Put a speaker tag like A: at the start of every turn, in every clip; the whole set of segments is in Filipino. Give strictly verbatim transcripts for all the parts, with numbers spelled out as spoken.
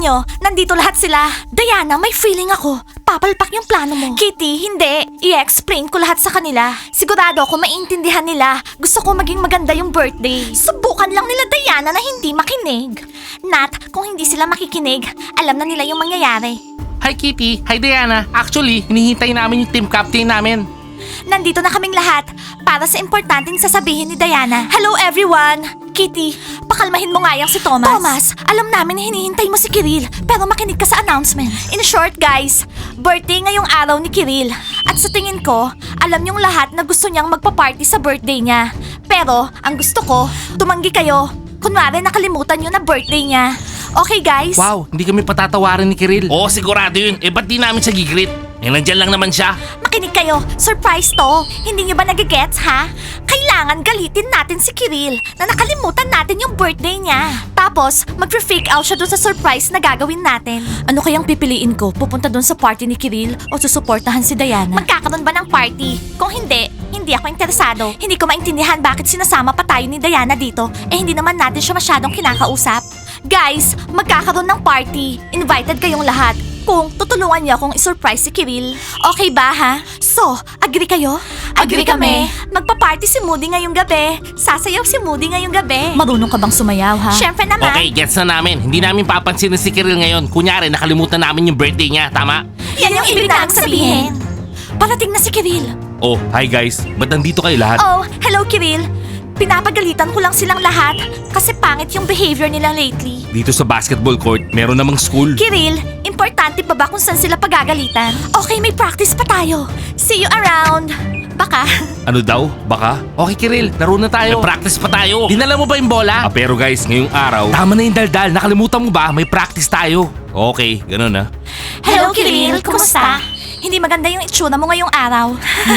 A: nyo, nandito lahat sila. Diana, may feeling ako. Papalpak yung plano mo. Kitty, hindi. I-explain ko lahat sa kanila. Sigurado ako maintindihan nila. Gusto ko maging maganda yung birthday. Subukan lang nila Diana na hindi makinig. Nat, kung hindi sila makikinig, alam na nila yung mangyayari.
B: Hi Kitty, hi Diana. Actually, hinihintay namin yung team captain namin.
A: Nandito na kaming lahat para sa importanteng sasabihin ni Diana. Hello everyone! Kitty, pakalmahin mo nga yung si Thomas. Thomas, alam namin na hinihintay mo si Kiril, pero makinig ka sa announcement. In short guys, birthday ngayong araw ni Kiril. At sa tingin ko, alam niyong lahat na gusto niyang magpa-party sa birthday niya. Pero, ang gusto ko, tumanggi kayo. Kunwari nakalimutan niyo na birthday niya. Okay guys?
B: Wow, hindi kami patatawarin ni Kiril. Oo, sigurado yun. Eh, ba't di namin siya gigreet? Eh, nandyan lang naman siya.
A: Makinig kayo, surprise to. Hindi niyo ba nagigets ha? Kailangan galitin natin si Kiril na nakalimutan natin yung birthday niya. Tapos, mag-freak out siya dun sa surprise na gagawin natin. Ano kayang pipiliin ko? Pupunta dun sa party ni Kiril o susuportahan si Diana? Magkakaroon ba ng party? Kung hindi, hindi ako interesado. Hindi ko maintindihan bakit sinasama pa tayo ni Diana dito. Eh hindi naman natin siya masyadong kinakausap. Guys, magkakaroon ng party. Invited kayong lahat. Kung tutulungan niyo akong isurprise si Kiril. Okay ba ha? So, agree kayo? Agree kami. Magpa-party si Moody ngayong gabi. Sasayaw si Moody ngayong gabi. Marunong ka bang sumayaw ha? Siyempre naman.
B: Okay, gets na namin. Hindi namin papansinin si Kiril ngayon. Kunyari, nakalimutan namin yung birthday niya. Tama?
A: Yan yung ibig namin sabihin. Parating na si Kiril.
B: Oh, hi guys. Ba't nandito kayo lahat?
A: Oh, hello Kiril. Pinapagalitan ko lang silang lahat kasi pangit yung behavior nila lately.
B: Dito sa basketball court, meron namang school.
A: Kiril, importante pa ba kung saan sila pagagalitan? Okay, may practice pa tayo. See you around. Baka.
B: Ano daw? Baka? Okay Kiril, laro na tayo. May practice pa tayo. Dinala mo ba yung bola? Ah, pero guys, ngayong araw, tama na yung daldal. Nakalimutan mo ba? May practice tayo. Okay, ganun na.
A: Hello Kiril, kumusta? Hindi maganda yung itsura mo ngayong araw.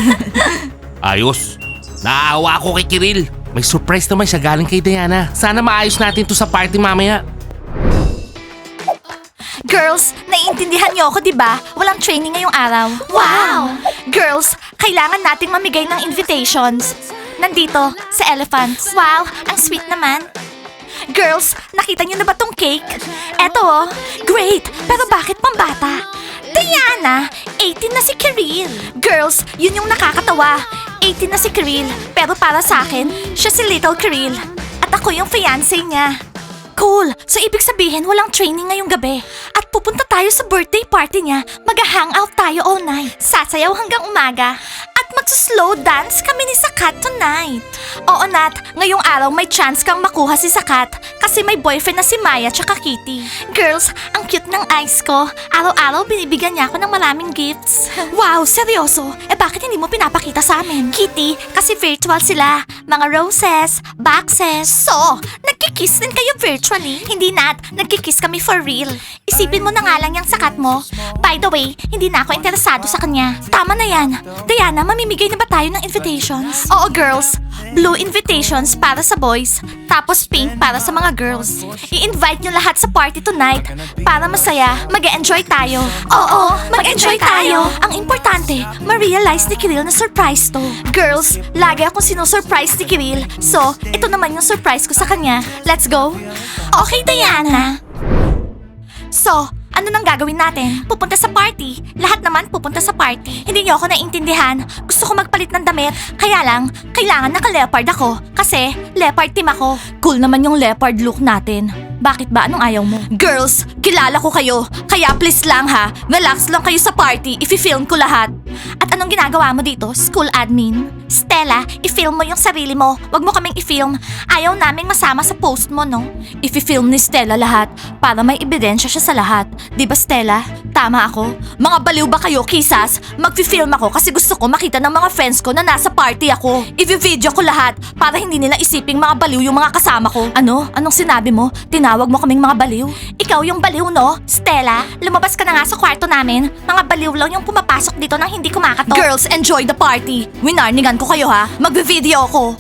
B: Ayos. Naawa ako kay Kiril. May surprise naman siya galing kay Diana. Sana maayos natin to sa party mamaya.
A: Girls, naiintindihan niyo ako, di ba? Walang training ngayong araw. Wow! Girls, kailangan nating mamigay ng invitations. Nandito, sa Elephants. Wow, ang sweet naman. Girls, nakita niyo na ba tong cake? Eto oh, great! Pero bakit pambata? Diana, eighteen na si Kiril. Girls, yun yung nakakatawa. eighteen na si Kiril, pero para sa akin, siya si Little Kiril. At ako yung fiancé niya. Cool! So ibig sabihin walang training ngayong gabi. At pupunta tayo sa birthday party niya. Mag-hangout tayo all night. Sasayaw hanggang umaga. At magsuslow dance kami ni Sakat tonight. Oo Nat, ngayong araw may chance kang makuha si Sakat kasi may boyfriend na si Maya tsaka Kitty. Girls, ang cute ng eyes ko. Araw-araw binibigyan niya ako ng maraming gifts. Wow, seryoso? Eh bakit hindi mo pinapakita sa amin? Kitty, kasi virtual sila. Mga roses, boxes. So, nagkikiss din kayo virtually? Hindi Nat, nagkikiss kami for real. Isipin mo na nga lang yung Sakat mo. By the way, hindi na ako interesado sa kanya. Tama na yan. Diana, mamimigay na ba tayo ng invitations? Oo girls, blue invitations para sa boys, tapos pink para sa mga girls. I-invite nyo lahat sa party tonight para masaya, mag-enjoy tayo. Oo, mag-enjoy tayo. Ang importante, ma-realize ni Kiril na surprise to. Girls, lagi akong sinusurprise ni Kiril, so ito naman yung surprise ko sa kanya. Let's go? Okay, Diana. So, ano nang gagawin natin? Pupunta sa party. Lahat naman pupunta sa party. Hindi niyo ako naiintindihan. Gusto ko magpalit ng damit. Kaya lang, kailangan naka-leopard ako. Kasi, leopard team ako. Cool naman yung leopard look natin. Bakit ba? Anong ayaw mo? Girls, kilala ko kayo. Kaya please lang ha, relax lang kayo sa party. Ifi-film ko lahat. At anong ginagawa mo dito, school admin? Stella, i-film mo yung sarili mo. Wag mo kaming i-film. Ayaw naming masama sa post mo, no? Ifi-film ni Stella lahat para may ebidensya siya sa lahat. Di ba Stella? Tama ako? Mga baliw ba kayo, kisas? Magfi-film ako kasi gusto ko makita ng mga friends ko na nasa party ako. I-video ko lahat para hindi nila isiping mga baliw yung mga kasama ko. Ano? Anong sinabi mo? Tinawag mo kaming mga baliw? Ikaw yung baliw, no? Stella, lumabas ka na nga sa kwarto namin. Mga baliw lang yung pumapasok dito nang hindi kumakatok. Girls, enjoy the party. Winarningan ko kayo ha. Magbe-video ako.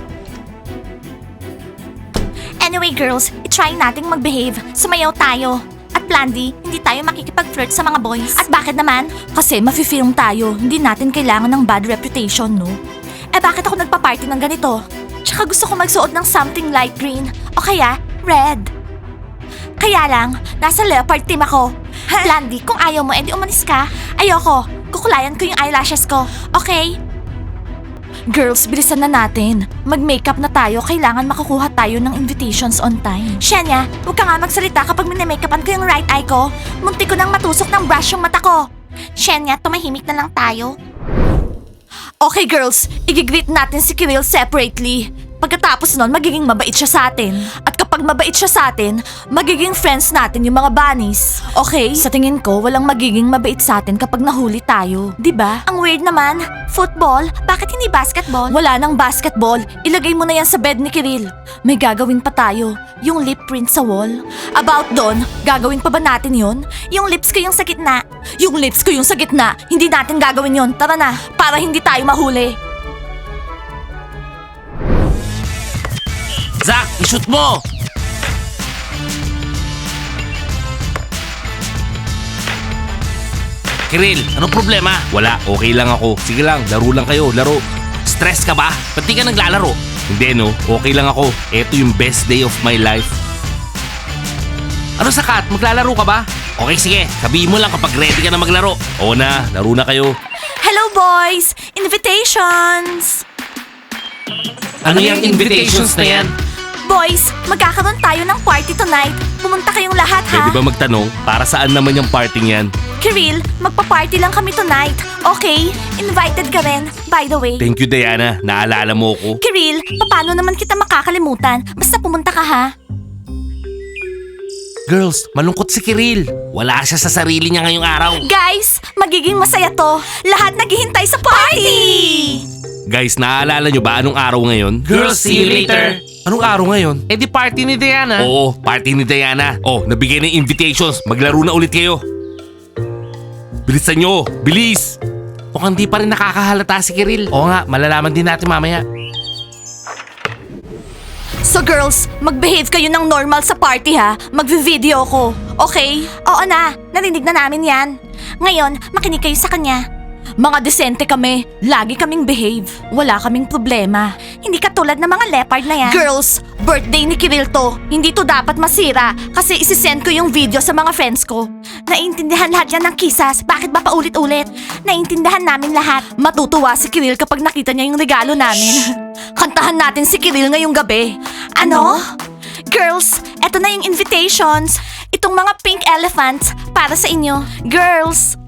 A: Anyway girls, itry nating mag-behave. Sumayaw tayo. At Blandy, hindi tayo makikipag-flirt sa mga boys. At bakit naman? Kasi mafi-film tayo. Hindi natin kailangan ng bad reputation, no? Eh bakit ako nagpa-party ng ganito? Tsaka gusto ko magsuot ng something light green. O kaya, red. Kaya lang, nasa leopard team ako. Blandy, kung ayaw mo, edi umalis ka. Ayoko. Kukulayan ko yung eyelashes ko. Okay? Girls, bilisan na natin. Mag-makeup na tayo. Kailangan makukuha tayo ng invitations on time. Shenya, huwag ka nga magsalita kapag minimakeupan ko yung right eye ko. Munti ko nang matusok ng brush yung mata ko. Shenya, tumahimik na lang tayo. Okay girls, igigreet natin si Kiril separately. Pagkatapos nun, magiging mabait siya sa atin. At kapag mabait siya sa atin, magiging friends natin yung mga bunnies. Okay? Sa tingin ko, walang magiging mabait sa atin kapag nahuli tayo. 'Di ba? Ang weird naman. Football? Bakit hindi basketball? Wala nang basketball. Ilagay mo na yan sa bed ni Kiril. May gagawin pa tayo. Yung lip print sa wall. About doon, gagawin pa ba natin yun? Yung lips ko yung sa gitna. Yung lips ko yung sa gitna. Hindi natin gagawin yun. Tara na, para hindi tayo mahuli.
B: Zach, ishoot mo! Kiril, anong problema? Wala, okay lang ako. Sige lang, laro lang kayo, laro. Stress ka ba? Ba't di ka naglalaro? Hindi no, okay lang ako. Ito yung best day of my life. Ano sakat? Maglalaro ka ba? Okay, sige. Sabihin mo lang kapag ready ka na maglaro. Oo na, laro na kayo.
A: Hello boys! Invitations!
B: Ano yung invitations na yan?
A: Boys, magkakaroon tayo ng party tonight. Pumunta kayong lahat ha.
B: Pwede ba magtanong, para saan naman yung parting yan?
A: Kiril, magpa-party lang kami tonight. Okay? Invited ka rin, by the way.
B: Thank you, Diana. Naalala mo ko.
A: Kiril, paano naman kita makakalimutan? Basta pumunta ka ha.
B: Girls, malungkot si Kiril. Wala siya sa sarili niya ngayong araw.
A: Guys, magiging masaya to. Lahat naghihintay sa party!
B: Guys, naaalala nyo ba anong araw ngayon?
C: Girls, see you later.
B: Anong araw ngayon?
C: Eh di party ni Diana.
B: Oo, party ni Diana. Oh, nabigay ng invitations. Maglaro na ulit kayo. Bilisan nyo! Bilis!
C: Mukhang di pa rin nakakahalata si Kiril.
B: Oo nga, malalaman din natin mamaya.
A: So girls, mag-behave kayo ng normal sa party ha. Magvi-video ko. Okay? Oo na, narinig na namin yan. Ngayon, makinig kayo sa kanya. Mga desente kami, lagi kaming behave. Wala kaming problema. Hindi katulad ng mga leopard na yan. Girls, birthday ni Kiril to. Hindi to dapat masira kasi isisend ko yung video sa mga friends ko. Naiintindihan lahat yan ng kisas. Bakit ba paulit-ulit? Naiintindihan namin lahat. Matutuwa si Kiril kapag nakita niya yung regalo namin. Kantahan natin si Kiril ngayong gabi. Ano? Girls, eto na yung invitations. Itong mga pink elephants para sa inyo. Girls,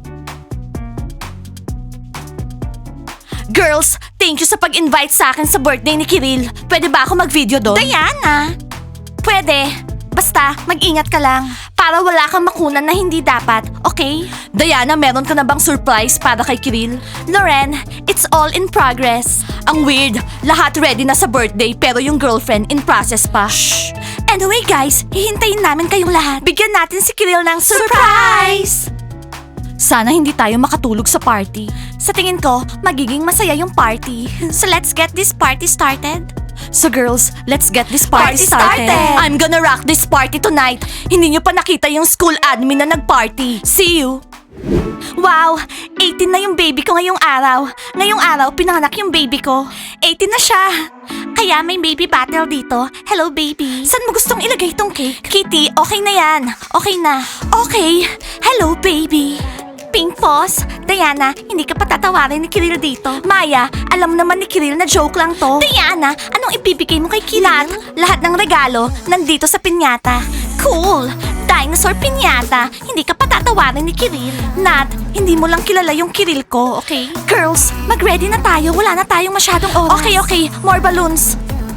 A: Girls, thank you sa pag-invite sa akin sa birthday ni Kiril. Pwede ba ako mag-video doon? Diana! Pwede. Basta, mag-ingat ka lang. Para wala kang makunan na hindi dapat, okay? Diana, meron ka na bang surprise para kay Kiril? Loren, it's all in progress. Ang weird, lahat ready na sa birthday pero yung girlfriend in process pa. Shh! Anyway guys, hihintayin namin kayong lahat. Bigyan natin si Kiril ng surprise! Sana hindi tayo makatulog sa party. Sa tingin ko, magiging masaya yung party. So let's get this party started. So girls, let's get this party,
D: Party
A: started.
D: started.
A: I'm gonna rock this party tonight. Hindi nyo pa nakita yung school admin na nag-party. See you! Wow! eighteen na yung baby ko ngayong araw. Ngayong araw, pinanganak yung baby ko. eighteen na siya. Kaya may baby battle dito. Hello, baby. Saan mo gustong ilagay tong cake? Kitty, okay na yan. Okay na. Okay. Hello, baby. Pink Paws, Diana, hindi ka patatawarin ni Kiril dito. Maya, alam naman ni Kiril na joke lang to. Diana, anong ibibigay mo kay Kiril? Lahat, lahat ng regalo nandito sa pinyata. Cool! Dinosaur pinyata, hindi ka patatawarin ni Kiril. Nat, hindi mo lang kilala yung Kiril ko, okay? Girls, mag-ready na tayo. Wala na tayong masyadong oras. Okay, okay. More balloons.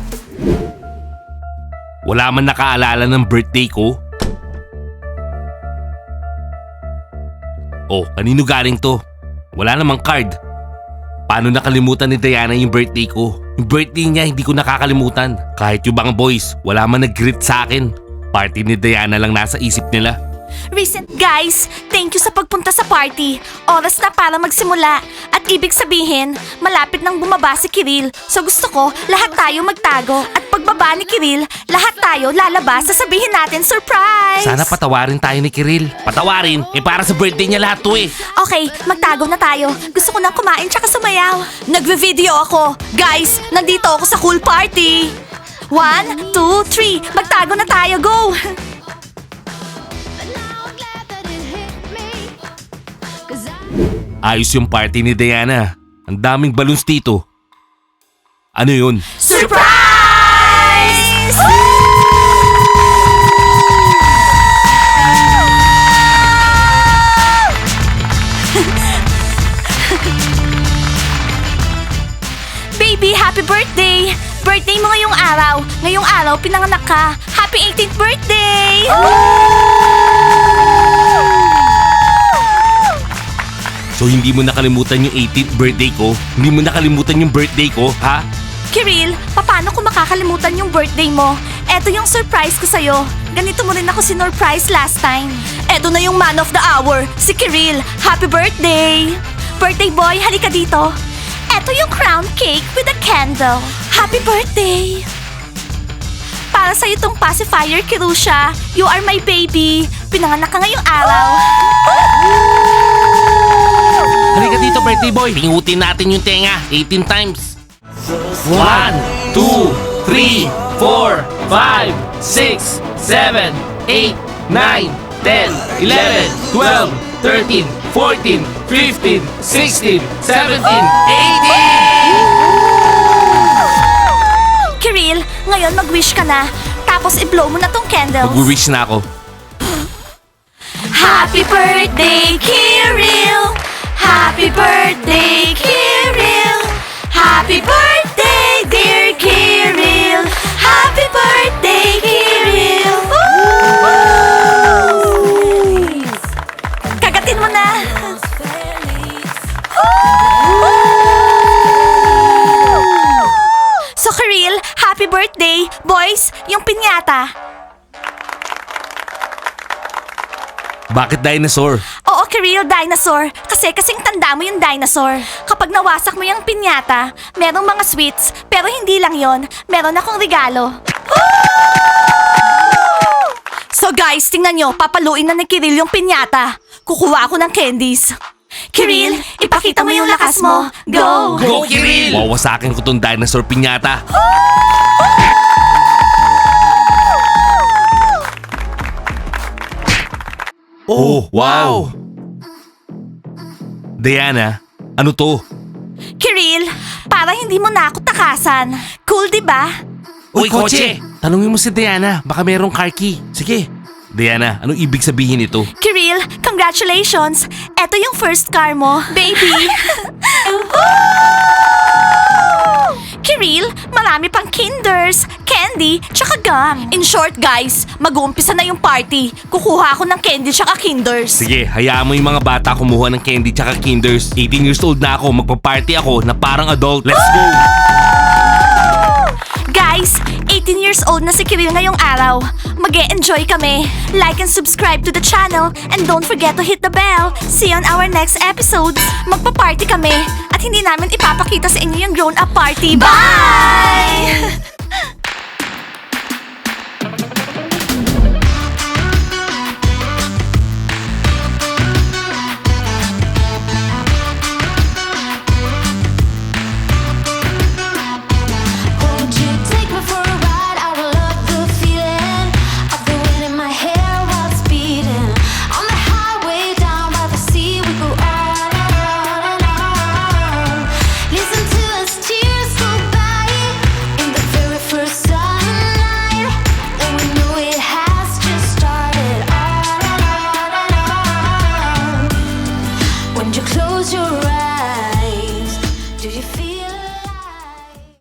B: Wala man nakaalala ng birthday ko. Oh, kanino galing to? Wala namang card. Paano nakalimutan ni Diana yung birthday ko? Yung birthday niya hindi ko nakakalimutan. Kahit yung mga boys, wala man nag-greet sa akin. Party ni Diana lang nasa isip nila.
A: Recent guys, thank you sa pagpunta sa party. Oras na para magsimula. At ibig sabihin, malapit nang bumaba si Kiril. So gusto ko, lahat tayo magtago. At pagbaba ni Kiril, lahat tayo lalabas. Sasabihin natin, surprise!
B: Sana patawarin tayo ni Kiril. Patawarin? Eh para sa birthday niya lahat to eh.
A: Okay, magtago na tayo. Gusto ko nang kumain tsaka sumayaw. Nagve-video ako. Guys, nandito ako sa cool party. One, two, three. Magtago na tayo. Go!
B: Ayos yung party ni Diana. Ang daming balloons dito. Ano yun?
A: Surprise! Baby, happy birthday! Birthday mo ngayong araw. Ngayong araw, pinanganak ka. Happy eighteenth birthday!
B: So hindi mo nakalimutan yung eighteenth birthday ko? Hindi mo nakalimutan yung birthday ko, ha?
A: Kiril, paano ko makakalimutan yung birthday mo? Eto yung surprise ko sa'yo. Ganito mo rin ako sinurprise last time. Eto na yung man of the hour, si Kiril. Happy birthday! Birthday boy, halika dito. Eto yung crown cake with a candle. Happy birthday! Para sa'yo tong pacifier, Kirusha. You are my baby. Pinanganak ka ngayong araw.
B: Halika dito, birthday boy. Pingutin natin yung tenga. eighteen times. One, two, three, four, five, six, seven, eight, nine, ten, eleven, twelve, thirteen, fourteen, fifteen, sixteen, seventeen, eighteen!
A: Kiril, ngayon mag-wish ka na. Tapos i-blow mo na tong candles.
B: Mag-wish na ako.
A: Happy birthday, Kiril! Happy birthday, Kiril! Happy birthday, dear Kiril! Happy birthday, Kiril! Kagatin mo na! So, Kiril, happy birthday! Boys, yung pinyata.
B: Bakit dinosaur?
A: Oo, Kiril, dinosaur. Kasi kasing tanda mo yung dinosaur. Kapag nawasak mo yung pinyata, merong mga sweets, pero hindi lang yon. Meron akong regalo. So guys, tingnan nyo, papaluin na ni Kiril yung pinyata. Kukuha ako ng candies. Kiril, ipakita mo yung lakas mo. Go!
B: Go, Kiril! Wawasakin ko tong dinosaur pinyata. Oh, wow! Diana, ano to?
A: Kiril, para hindi mo na ako takasan. Cool, di ba?
B: Uy, kotse! Tanungin mo si Diana, baka merong car key. Sige. Diana, anong ibig sabihin ito?
A: Kiril, congratulations! Eto yung first car mo. Baby! Kiril, marami pang kinders, candy, tsaka gum. In short guys, mag-uumpisa na yung party. Kukuha ako ng candy tsaka kinders.
B: Sige, hayaan mo yung mga bata kumuha ng candy tsaka kinders. eighteen years old na ako, magpa-party ako na parang adult. Let's go!
A: Guys, eighteen years old na si Kiril ngayong araw. Mag-e-enjoy kami. Like and subscribe to the channel and don't forget to hit the bell. See you on our next episodes. Magpa-party kami at hindi namin ipapakita sa inyo yung grown-up party. Bye!